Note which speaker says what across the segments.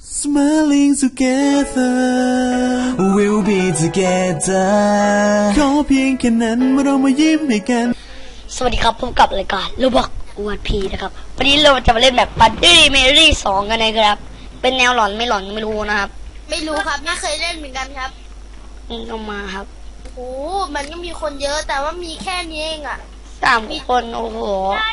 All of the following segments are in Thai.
Speaker 1: Smiling together we'll be together ขอเพียงแค่นั้นเมื่อเรามายิ้มให้กันสวัสดีครับพบกับรายการโรบอกอวดพีนะครับวันนี้เราจะมาเล่นแบบบัดดี้เมรี่2กันนะครับเป็นแนวหลอนไม่หลอนไม่รู้นะครับ
Speaker 2: ไม่รู้ครับไม่เคยเล่นเหมือนกันครับ
Speaker 1: เอามาครับ
Speaker 2: โอ้มันก็มีคนเยอะแต่ว่ามีแค่นี้เองอ่ะ
Speaker 1: 3 คนโอ้โห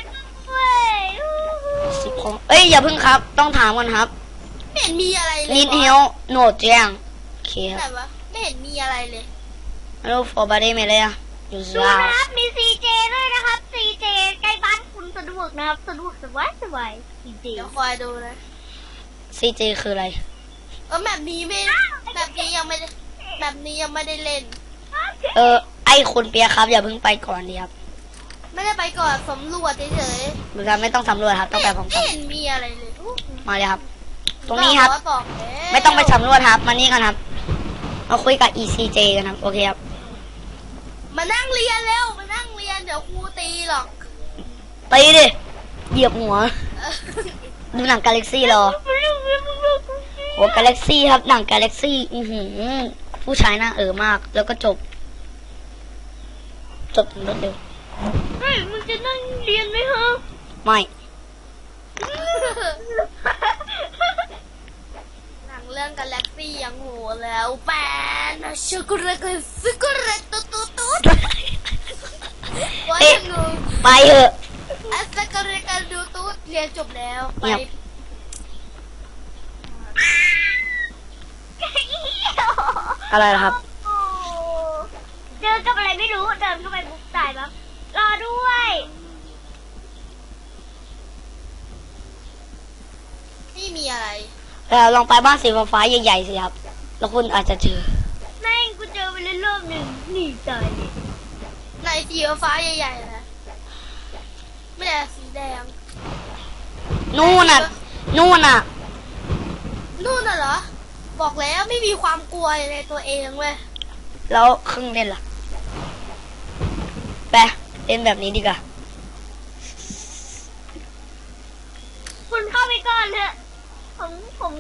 Speaker 1: 10 คนเอ้ยอย่าเพิ่งครับต้องถามก่อนครับ
Speaker 2: ไม่เห็นมีอะไรเลย
Speaker 1: นิดเดียวโหนดแจ้งโอเคครับ
Speaker 2: ไม่เห็นมีอะไรเลย
Speaker 1: แล้วฟอร์บาร์ดี้ไม่เลยอ่ะอยู่
Speaker 2: ดูนะครับมีซีเจด้วยนะครับซีเจใกล้บ้านคุณสะดวกนะครับสะดวกสบายซีเจเดี๋ยวคอยดูนะ
Speaker 1: ซีเจคืออะไร
Speaker 2: แบบนี้ยังไม่ได้เล่น
Speaker 1: ไอคนเปียครับอย่าเพิ่งไปก่อนดีครับ
Speaker 2: ไม่ได้ไปก่อนสำรวจเฉย
Speaker 1: ๆมันไม่ต้องสำรวจครับต้องไปพร้อมกัน
Speaker 2: ไม่เห็นมีอะไรเลย
Speaker 1: มาเลยครับตรงนี้ครับไม่ต้องไปสำรวจครับมานี่กันครับมาคุยกับ ECJ กันครับโอเคครับ
Speaker 2: มานั่งเรียนเร็วมานั่งเรียนเดี๋ยวครูตีหรอก
Speaker 1: ตีดิเหยียบหัวดูหนังกาแล็กซี่รอโหกาแล็กซี่ครับหนังกาแล็กซี่ผู้ชายหน้ามากแล้วก็จบรวดเร็ว
Speaker 2: เฮ้ยมึงจะนั่งเรียนไหมฮะ
Speaker 1: ไม่
Speaker 2: หนังเรื่องกาแล็กซี่ยังโหแล้วแปนช็อกโกแลตฟิกเกอร์เรตตุ๊
Speaker 1: ไปเถอะ
Speaker 2: ช็อกโกแลตดูตุ๊ดเรียนจบแล้วไป
Speaker 1: อะไรครับ
Speaker 2: เจอกับอะไรไม่รู้เดินเข้าไปบุกตายปั๊บรอด้วยไม่มีอะไร
Speaker 1: ลองไปบ้านสีฟ้าใหญ่ๆสิครับแล้วคุณอาจจะเจอ
Speaker 2: แม่งกูเจอไปเล่นรอบหนึ่งหนีตายเลยในสีฟ้าใหญ่ๆนะไม่ได้สีแดง
Speaker 1: นู่นน่ะ
Speaker 2: เหรอบอกแล้วไม่มีความกลัวในตัวเองเว้ย
Speaker 1: แล้วเครื่องเล่นล่ะไปเล่นแบบนี้ดีกว่า
Speaker 2: คุณเข้าไปก่อนเถอะผม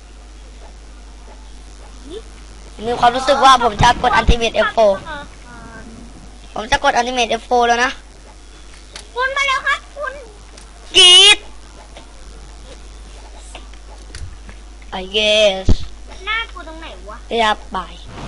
Speaker 1: มีความรู้สึกว่าผมจะกดอัลติเมท F4 ผมจะกดอัลติเมท F4 แล้วนะ
Speaker 2: คุณมาแล้วครับคุณ
Speaker 1: กรีด I guess
Speaker 2: หน้ากูตรงไหนวะ
Speaker 1: เรียบบ่าย